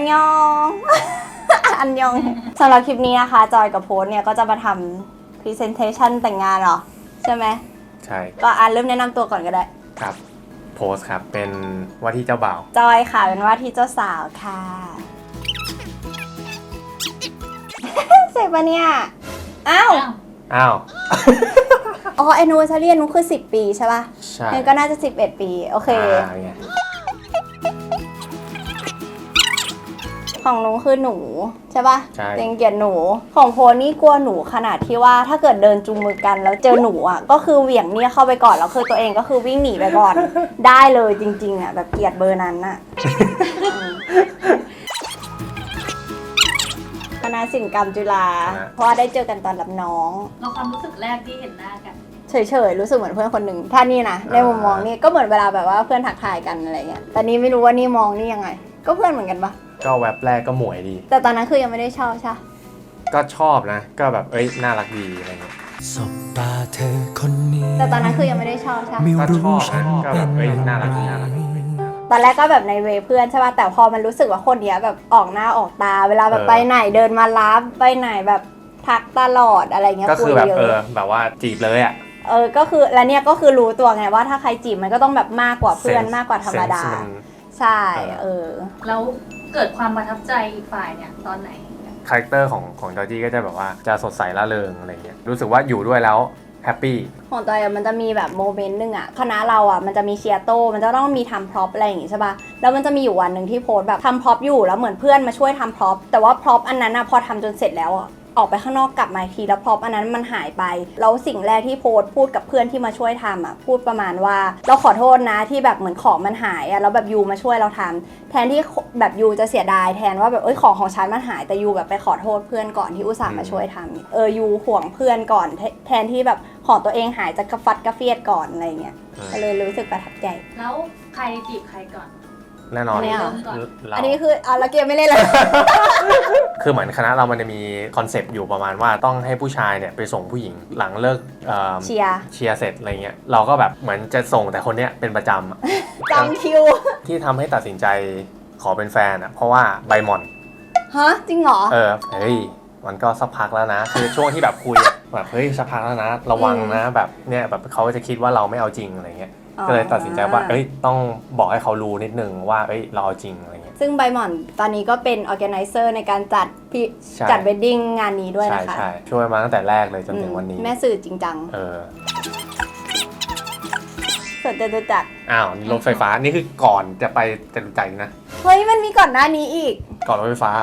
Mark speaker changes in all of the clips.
Speaker 1: นยอง อันยองสำหรับคลิปนี้นะคะจอยกับโพสเนี่ยก็จะมาทำ presentation แต่งงานเหรอใช่ไหม
Speaker 2: ใช่
Speaker 1: ก็เริ่มแนะนำตัวก่อนก็ได้
Speaker 2: ครับโพสครับเป็นว่าที่เจ้าบ่าว
Speaker 1: จอยค่ะเป็นว่าที่เจ้าสาวค่ะ เสร็จปะเนี่ยอ้าวอ๋อ anniversary นุ้คือ10 ปีใช่ป่ะ
Speaker 2: ใช่
Speaker 1: งั้นก็น่าจะ11 ปีโอเคของนุ้คือหนูใช่ป่ะ
Speaker 2: ใช่
Speaker 1: เต็งเกียรติหนูของโพนี่กลัวหนูขนาดที่ว่าถ้าเกิดเดินจูงมือกันแล้วเจอหนูอ่ะก็คือเหวี่ยงเนี่ยเข้าไปก่อนแล้วคือตัวเองก็คือวิ่งหนีไปก่อน ได้เลยจริงๆอ่ะแบบเกลียดเบอร์นั้นน่ะ คณะศิลปกรรมจุฬาเพราะว่าได้เจอกันตอนรับน้อง
Speaker 3: เราความรู้สึกแรกที่เห็นหน้ากัน
Speaker 1: เฉยๆรู้สึกเหมือนเพื่อนคนหนึ่งถ้านี่นะในมุมมองนี่ก็เหมือนเวลาแบบว่าเพื่อนทักทายกันอะไรเงี้ยแต่นี่ไม่รู้ว่านี่มองนี่ยังไงก็เพื่อนเหมือนกันปะ
Speaker 2: ก็แวบแรกก็หมวยดี
Speaker 1: แต่ตอนนั้นคือยังไม่ได้ชอบใช่
Speaker 2: ก็ชอบนะก็แบบน่ารักดีอะไรเงี้ย
Speaker 4: สบตาเธอคนนี้
Speaker 1: แต่ตอนนั้นคือยังไม่ได้ชอบใช่
Speaker 2: ก็ชอบก็แบบน่ารักดี
Speaker 1: ตอนแรกก็แบบในเวเพื่อนใช่ป่ะแต่พอมันรู้สึกว่าคนเนี้ยแบบออกหน้าออกตาเวลาแบบไปไหนเดินมารับไปไหนแบบทักตลอดอะไรเงี้ย
Speaker 2: ก็คือแบบแบบว่าจีบเลยอ่ะ
Speaker 1: ก็คือแล้วเนี่ยก็คือรู้ตัวไงว่าถ้าใครจีบมันก็ต้องแบบมากกว่าเพื่อนมากกว่าธรรมดาใช่
Speaker 3: แล้วเกิดความประทับใจอีกฝ่ายเนี่ยตอนไหน
Speaker 2: คาแรคเตอร์ของจอร์จี้ก็จะแบบว่าจะสดใสร่าเริงอะไรเงี้ยรู้สึกว่าอยู่ด้วยแล้วแฮปปี้
Speaker 1: ของจอยมันจะมีแบบโมเมนต์นึงอ่ะคณะเราอ่ะมันจะมีเชียร์โต้มันจะต้องมีทำพร็อพอะไรอย่างงี้ใช่ป่ะแล้วมันจะมีอยู่วันหนึ่งที่โพสแบบทำพร็อพอยู่แล้วเหมือนเพื่อนมาช่วยทำพร็อพแต่ว่าพร็อพอันนั้นอ่ะพอทำจนเสร็จแล้วอ่ะออกไปข้างนอกกลับมาทีแล้วพร็อพอันนั้นมันหายไปแล้วสิ่งแรกที่โพสพูดกับเพื่อนที่มาช่วยทำอ่ะพูดประมาณว่าเราขอโทษนะที่แบบเหมือนของมันหายอ่ะแล้วแบบยูมาช่วยเราทำแทนที่แบบยูจะเสียดายแทนว่าแบบของฉันมันหายแต่ยูแบบไปขอโทษเพื่อนก่อนที่อุตส่าห์มาช่วยทำยูห่วงเพื่อนก่อนแทนที่แบบของตัวเองหายจะกระฟัดกระเฟียดก่อนอะไรเงี้ยก็เลยรู้สึกประทับใจ
Speaker 3: แล้วใครจีบใครก่อน
Speaker 2: แน่นอน
Speaker 1: อันนี้คือเราเกมไม่เล่นเลย
Speaker 2: คือเหมือนคณะเรามันจะมีคอนเซปต์อยู่ประมาณว่าต้องให้ผู้ชายเนี่ยไปส่งผู้หญิงหลังเลิก
Speaker 1: เชีย
Speaker 2: ร์เสร็จอะไรเงี้ยเราก็แบบเหมือนจะส่งแต่คนเนี้ยเป็นประจ
Speaker 1: ำจำคิว
Speaker 2: ที่ทำให้ตัดสินใจขอเป็นแฟนอ่ะเพราะว่าใบหม่อน
Speaker 1: ฮะจริงเหรอ
Speaker 2: เฮ้ยมันก็สักพักแล้วนะคือช่วงที่แบบคุยแบบเฮ้ยสักพักแล้วนะระวังนะแบบเนี่ยแบบเขาจะคิดว่าเราไม่เอาจริงอะไรเงี้ยก็เลยตัดสินใจว่าต้องบอกให้เขารู้นิดนึงว่าเราเอาจริงอะไรเงี้ย
Speaker 1: ซึ่งใบหม่อนตอนนี้ก็เป็น organizer ในการจัดเวดดิ้งงานนี้ด้วยนะคะ
Speaker 2: ใช่ช่วยมาตั้งแต่แรกเลยจนถึงวันนี้
Speaker 1: แม่สื่อจริงจังสวนจตุจักร
Speaker 2: รถไฟฟ้านี่คือก่อนจะไปจตุจักรนะ
Speaker 1: เฮ้ยมันมีก่อนหน้านี้อีก
Speaker 2: ก่อนรถไฟฟ้า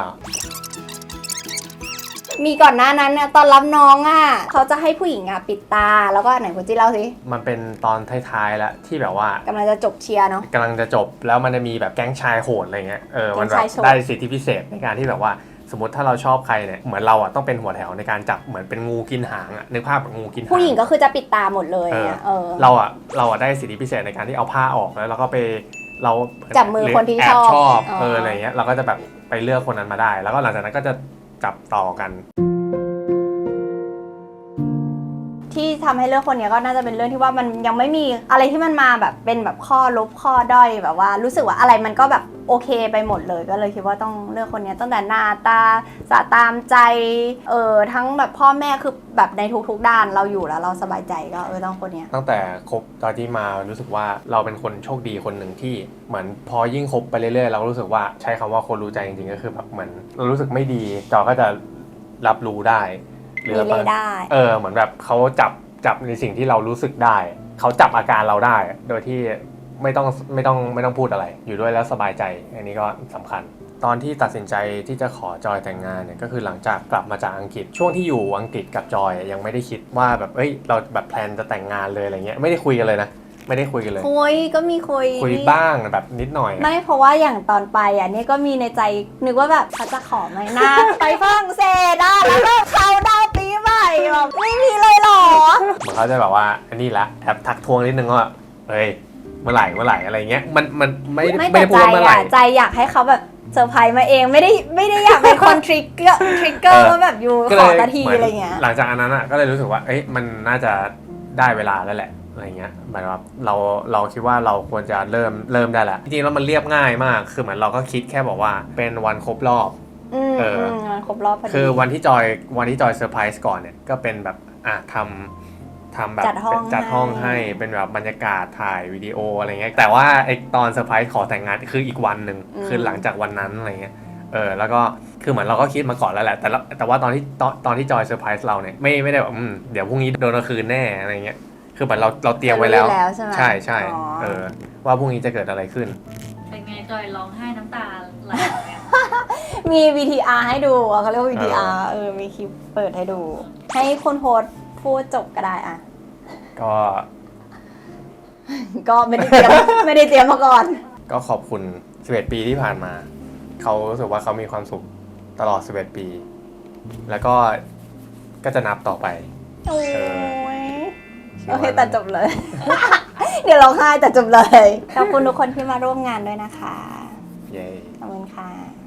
Speaker 1: มีก่อนหน้านั้นเนี่ยตอนรับน้องเขาจะให้ผู้หญิงปิดตาแล้วก็ไหนคุณจี้เล่าสิ
Speaker 2: มันเป็นตอนท้ายๆแล้วที่แบบว่าก
Speaker 1: ำลังจะจบเชียร์เนาะ
Speaker 2: กำลังจะจบแล้วมันจะมีแบบแก๊งชายโหดอะไรเงี้ยมันแบบได้สิทธิพิเศษในการที่แบบว่าสมมติถ้าเราชอบใครเนี่ยเหมือนเราต้องเป็นหัวแถวในการจับเหมือนเป็นงูกินหางนึกภาพแบบงูกินหาง
Speaker 1: ผู้หญิงก็คือจะปิดตาหมดเลย
Speaker 2: เราได้สิทธิพิเศษในการที่เอาผ้าออกแล้วเราก็ไปเรา
Speaker 1: จับมือคนที่ช
Speaker 2: อบอะไรเงี้ยเราก็จะแบบไปเลือกคนนั้นมาได้แล้วก็หลังจากนั้นก็จะจับต่อกัน
Speaker 1: ที่ทำให้เลือกคนนี้ก็น่าจะเป็นเรื่องที่ว่ามันยังไม่มีอะไรที่มันมาแบบเป็นแบบข้อลบข้อด้อยแบบว่ารู้สึกว่าอะไรมันก็แบบโอเคไปหมดเลยก็เลยคิดว่าต้องเลือกคนนี้ตั้งแต่หน้าตาสะตามใจทั้งแบบพ่อแม่คือแบบในทุกๆด้านเราอยู่แล้วเราสบายใจก็ต้องคนนี้
Speaker 2: ตั้งแต่คบตอนที่มารู้สึกว่าเราเป็นคนโชคดีคนหนึ่งที่เหมือนพอยิ่งคบไปเรื่อยๆเรารู้สึกว่าใช้คำว่าคนรู้ใจจริงๆก็คือแบบเหมือนเรารู้สึกไม่ดีจอก็จะรับรู้ได้
Speaker 1: หรือได้
Speaker 2: เหมือนแบบเขาจับในสิ่งที่เรารู้สึกได้เขาจับอาการเราได้โดยที่ไม่ต้องพูดอะไรอยู่ด้วยแล้วสบายใจอันนี้ก็สำคัญตอนที่ตัดสินใจที่จะขอจอยแต่งงานเนี่ยก็คือหลังจากกลับมาจากอังกฤษช่วงที่อยู่อังกฤษกับจอยยังไม่ได้คิดว่าแบบเราแบบแพลนจะแต่งงานเลยอะไรเงี้ยไม่ได้คุยกันเลยนะไม่ได้คุยกันเลย
Speaker 1: คุยก็มีคุ
Speaker 2: ยบ้างแบบนิดหน่อย
Speaker 1: ไม่เพราะว่าอย่างตอนไปนี่ก็มีในใจนึกว่าแบบเขาจะขอไหมนะ ไปฝรั่งเศสแล้วก็เขาดาวปีใหม่แบบไม่มีเลยหรอ
Speaker 2: เหมือนเขาจะแบบว่าอันนี้ละแอบทักทวงนิดนึงว่าเมื่อไหร่อะไรเงี้ยมันไม่ได้พูดเมื่อไหร่
Speaker 1: ใจอยากให้เขาแบบเซอร์ไพรส์มาเองไม่ได้อยากเป็นคนทริกเกอร์ว่าแบบอยู่ขอนาทีอะไรเงี้ย
Speaker 2: หลังจากอันนั้นก็เลยรู้สึกว่ามันน่าจะได้เวลาแล้วแหละอะไรเงี้ยหมายว่าเราคิดว่าเราควรจะเริ่มได้แหละจริงๆแล้วมันเรียบง่ายมากคือเหมือนเราก็คิดแค่บอกว่าเป็นวันครบรอบ
Speaker 1: มันครบรอบพอดี
Speaker 2: คือวันที่จอยเซอร์ไพรส์ก่อนเนี่ยก็เป็นแบบทำแบบ
Speaker 1: จัดห้อง
Speaker 2: ให้ เป็นแบบบรรยากาศถ่ายวิดีโออะไรเงี้ยแต่ว่าไอตอนเซอร์ไพรส์ขอแต่งงานคืออีกวันหนึ่งคือหลังจากวันนั้นอะไรเงี้ยแล้วก็คือเหมือนเราก็คิดมาก่อนแล้วแหละแต่ว่าตอนที่จอยเซอร์ไพรส์เราเนี่ยไม่ได้แบบเดี๋ยวพรุ่งนี้โดนเอาคืนแน่อะไรเงี้ยคือเหมือนเราเตรียมไว้แล้ว
Speaker 1: ใช่ไหม
Speaker 2: ใช่ว่าพรุ่งนี้จะเกิดอะไรขึ้น
Speaker 3: เป็นไงจอยร้องไห้น้ำตาไหลไหม
Speaker 1: มี VTR ให้ดูเขาเรียกว่า VTR มีคลิปเปิดให้ดู ให้คุณโฮสต์พูดจบก็ได้อะ
Speaker 2: ก็
Speaker 1: ก็ไม่ได้เตรียม ไม่ได้เตรียมมาก่อน
Speaker 2: ก็ขอบคุณ 11 ปีที่ผ่านมา เขารู้สึกว่าเขามีความสุขตลอด 11 ปี แล้วก็จะนับต่อไป
Speaker 1: โอ้ยโอเคแต่จบเลย เดี๋ยวร้องไห้แต่จบเลย ขอบคุณทุกคนที่มาร่วมงานด้วยนะคะ
Speaker 2: เย้
Speaker 1: ขอบคุณค่ะ